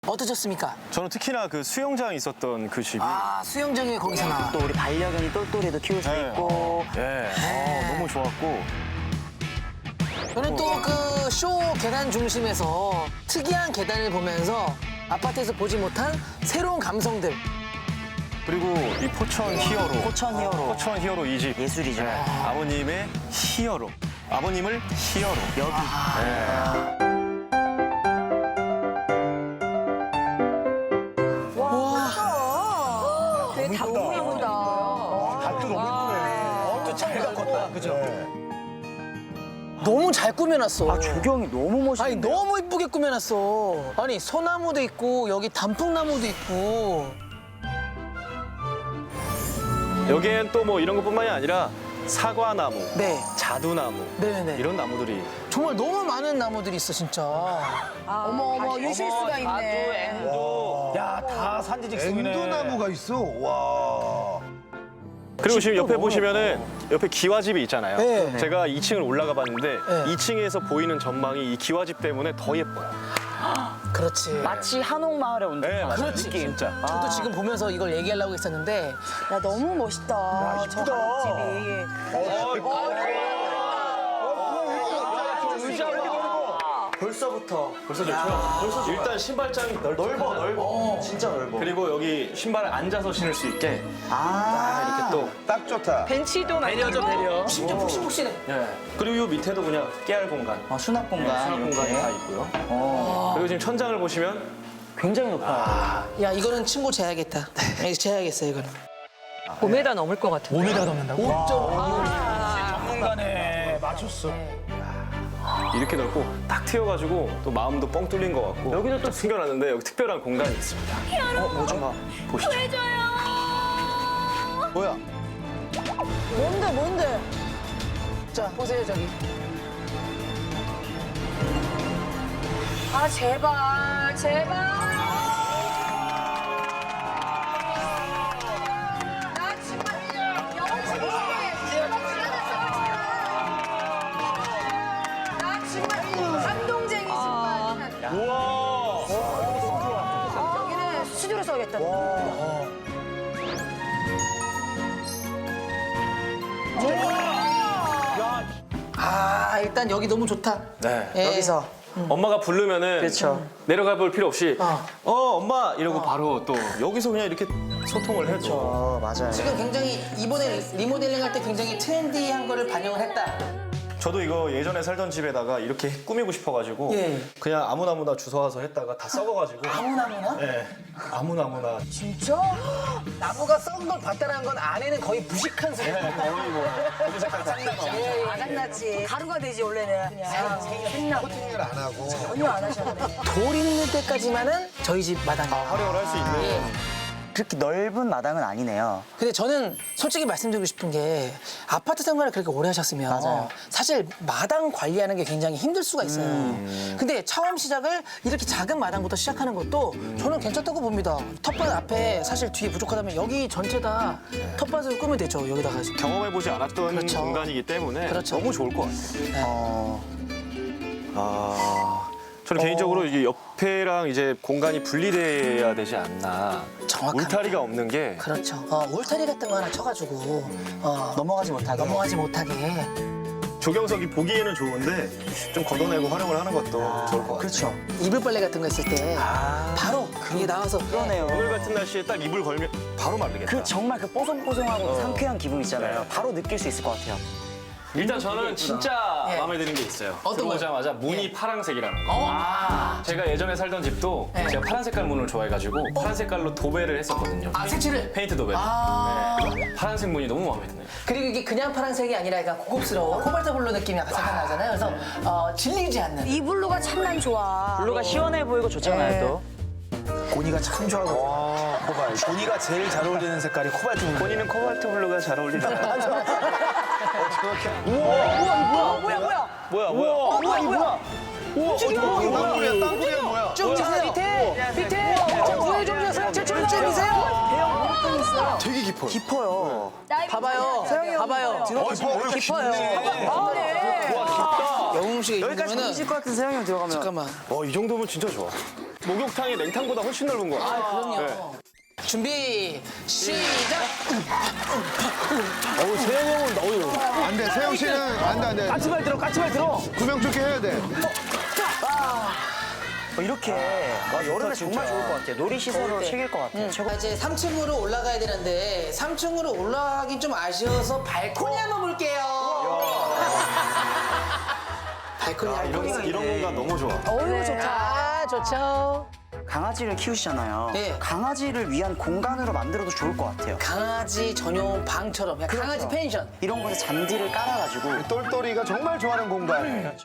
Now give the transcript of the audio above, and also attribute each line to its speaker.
Speaker 1: 어떠셨습니까?
Speaker 2: 저는 특히나 그 수영장 있었던 그 집이
Speaker 1: 아, 수영장이 거기서 나와.
Speaker 3: 또 우리 반려견이 똘똘이도 키울 수
Speaker 2: 네.
Speaker 3: 있고.
Speaker 2: 너무 좋았고
Speaker 1: 저는 또 그 쇼 계단 중심에서 특이한 계단을 보면서 아파트에서 보지 못한 새로운 감성들.
Speaker 2: 그리고 이 포천 히어로
Speaker 3: 포천 히어로.
Speaker 2: 포천 히어로 이 집
Speaker 3: 예술이죠.
Speaker 2: 아버님의 히어로 아버님을 히어로
Speaker 3: 여기.
Speaker 4: 되게 너무 예쁘다.
Speaker 5: 밭도 너무 예쁘네. 또잘 가꿨다. 그죠?
Speaker 1: 너무 잘 꾸며놨어.
Speaker 3: 아, 조경이 너무 멋있네.
Speaker 1: 아니, 너무 이쁘게 꾸며놨어. 아니, 소나무도 있고, 여기 단풍나무도 있고.
Speaker 2: 여기엔 또 뭐 이런 것뿐만이 아니라 사과나무
Speaker 1: 네.
Speaker 2: 자두나무
Speaker 1: 네네네.
Speaker 2: 이런 나무들이
Speaker 1: 정말 너무 많은 나무들이 있어, 진짜.
Speaker 4: 어머, 유실수가 있네.
Speaker 5: 야, 다 산지직송이네.
Speaker 6: 앵두나무가 있어. 와.
Speaker 2: 그리고 지금 옆에 보시면은 옆에 기와집이 있잖아요.
Speaker 1: 네.
Speaker 2: 제가 2층을 올라가 봤는데
Speaker 1: 네.
Speaker 2: 2층에서 보이는 전망이 이 기와집 때문에 더 예뻐요.
Speaker 1: 그렇지.
Speaker 3: 마치 한옥마을에 온 듯한
Speaker 2: 맞아요.
Speaker 1: 그렇지.
Speaker 2: 진짜.
Speaker 1: 저도 지금 보면서 이걸 얘기하려고 했었는데
Speaker 4: 야, 너무 멋있다. 저 한옥집이.
Speaker 3: 벌써부터.
Speaker 2: 벌써 좋죠? 일단 신발장이 넓어.
Speaker 3: 진짜 넓어.
Speaker 2: 그리고 여기 신발을 앉아서 신을 수 있게 이렇게 또
Speaker 6: 딱 좋다.
Speaker 4: 벤치도
Speaker 1: 배려죠, 배려. 심지어 푹신푹신해.
Speaker 2: 그리고 이 밑에도 그냥 깨알 공간
Speaker 3: 수납 공간.
Speaker 2: 수납 공간이
Speaker 3: 이렇게.
Speaker 2: 다 있고요.
Speaker 3: 어,
Speaker 2: 그리고 지금 천장을 보시면
Speaker 3: 굉장히 높아요.
Speaker 1: 야, 이거는 친구 재야겠다. 이거 재야겠어, 이거는.
Speaker 4: 5m 넘을 것 같은데.
Speaker 5: 5m 넘는다고? 5.5. 전문가네. 맞췄어.
Speaker 2: 이렇게 넓고 딱 트여가지고 또 마음도 뻥 뚫린 것 같고 여기도 또 숨겨놨는데 여기 특별한 공간이 있습니다. 뭐좀 보시죠.
Speaker 6: 뭐야?
Speaker 4: 뭔데?
Speaker 1: 자, 보세요, 저기.
Speaker 4: 아, 제발. 나 정말 영웅 나 정말 감동쟁이 정말.
Speaker 2: 우와!
Speaker 4: 여기는 스튜디오로 써야겠다.
Speaker 1: 아, 일단 여기 너무 좋다.
Speaker 2: 네.
Speaker 1: 예.
Speaker 3: 여기서.
Speaker 2: 엄마가 부르면은
Speaker 3: 그렇죠.
Speaker 2: 내려가 볼 필요 없이
Speaker 1: 어.
Speaker 2: 엄마 이러고 바로 또 여기서 그냥 이렇게 소통을 해줘.
Speaker 3: 맞아요.
Speaker 1: 지금 굉장히 이번에 리모델링 할 때 굉장히 트렌디한 거를 반영을 했다.
Speaker 2: 저도 이거 예전에 살던 집에다가 이렇게 꾸미고 싶어가지고
Speaker 1: 예.
Speaker 2: 그냥 아무나무나 주워와서 했다가 다 썩어가지고
Speaker 1: 아무나무나?
Speaker 2: 네. 아무나무나
Speaker 1: 진짜? 나무가 썩은 걸 봤다는 건 안에는 거의 무식한 소리.
Speaker 4: 아장났지. 가루가 되지, 원래는. 그냥.
Speaker 6: 코팅을 안 하고.
Speaker 4: 전혀 안 하셨네.
Speaker 1: 돌 있는 때까지만은 저희 집 마당이에요.
Speaker 2: 활용을 할 수 있는
Speaker 3: 그렇게 넓은 마당은 아니네요.
Speaker 1: 근데 저는 솔직히 말씀드리고 싶은 게 아파트 생활을 그렇게 오래 하셨으면
Speaker 3: 맞아요.
Speaker 1: 사실 마당 관리하는 게 굉장히 힘들 수가 있어요. 근데 처음 시작을 이렇게 작은 마당부터 시작하는 것도 저는 괜찮다고 봅니다. 텃밭 앞에 사실 뒤에 부족하다면 여기 전체 다 텃밭을 꾸면 되죠. 여기다가.
Speaker 2: 경험해보지 않았던
Speaker 1: 그렇죠.
Speaker 2: 공간이기 때문에
Speaker 1: 그렇죠.
Speaker 2: 너무 좋을 것 같아요. 저는 개인적으로 이게 옆에랑 이제 공간이 분리돼야 되지 않나.
Speaker 1: 정확합니다.
Speaker 2: 울타리가 없는 게
Speaker 1: 그렇죠. 울타리 같은 거 하나 쳐가지고
Speaker 3: 넘어가지 못하게.
Speaker 1: 넘어가지 못하게.
Speaker 2: 조경석이 보기에는 좋은데 좀 걷어내고 활용을 하는 것도 좋을 것 같아요.
Speaker 3: 그렇죠.
Speaker 1: 이불 빨래 같은 거 했을 때 바로 이게 나와서
Speaker 3: 그러네요.
Speaker 2: 오늘 같은 날씨에 딱 이불 걸면 바로 마르겠다.
Speaker 3: 그 정말 그 뽀송뽀송하고 상쾌한 기분 있잖아요. 바로 느낄 수 있을 것 같아요.
Speaker 2: 일단 저는 진짜
Speaker 1: 예.
Speaker 2: 마음에 드는 게 있어요.
Speaker 1: 어떤 거요?
Speaker 2: 들어오자마자 문이 파란색이라는 거. 제가 예전에 살던 집도
Speaker 1: 네.
Speaker 2: 제가 파란 색깔 문을 좋아해가지고 파란 색깔로 도배를 했었거든요.
Speaker 1: 색칠을.
Speaker 2: 페인트 도배. 네. 파란색 문이 너무 마음에 드네요.
Speaker 1: 그리고 이게 그냥 파란색이 아니라 약간 고급스러워. 코발트 블루 느낌이 약간 살짝 나잖아요. 그래서 질리지 않는.
Speaker 4: 이 블루가 참 난 좋아.
Speaker 3: 블루가 시원해 보이고 좋잖아요, 또.
Speaker 5: 고니가 참 좋아하고. 코발트. 고니가 제일 잘 어울리는 색깔이 코발트 블루.
Speaker 2: 본인은 코발트 블루가 잘 어울리나요? 뭐야?
Speaker 6: 땅굴이야 뭐야?
Speaker 1: 쭉 미세요. 밑에. 좀 구해 좀 주세요. 제출을 좀 미세요.
Speaker 6: 되게 깊어.
Speaker 2: 깊어요.
Speaker 3: 깊어요.
Speaker 1: 봐봐요. 봐봐요. 깊어요. 영웅 씨가
Speaker 3: 여기까지
Speaker 1: 입으면은
Speaker 3: 보실 것 같은 세영이 형 들어가면.
Speaker 1: 잠깐만.
Speaker 2: 이 정도면 진짜 좋아. 목욕탕이 냉탕보다 훨씬 넓은 거 같아.
Speaker 1: 그럼요. 준비 시작.
Speaker 2: 세영 형은 너무
Speaker 6: 안 돼. 세영 씨는 안 돼.
Speaker 2: 까치발 들어.
Speaker 6: 구명조끼 해야 돼.
Speaker 3: 이렇게 여름에 정말 좋을 것 같아요. 놀이시설로 챙길 것 같아요.
Speaker 1: 자, 이제 3층으로 올라가야 되는데 3층으로 올라가긴 좀 아쉬워서 발코니 한번 볼게요. 발코니
Speaker 2: 이런 공간 너무 좋아.
Speaker 4: 어이구 좋다.
Speaker 1: 아, 좋죠.
Speaker 3: 강아지를 키우시잖아요.
Speaker 1: 네.
Speaker 3: 강아지를 위한 공간으로 만들어도 좋을 것 같아요.
Speaker 1: 강아지 전용 방처럼 그냥 강아지 펜션.
Speaker 3: 이런 곳에 잔디를 깔아가지고
Speaker 6: 똘똘이가 정말 좋아하는 공간.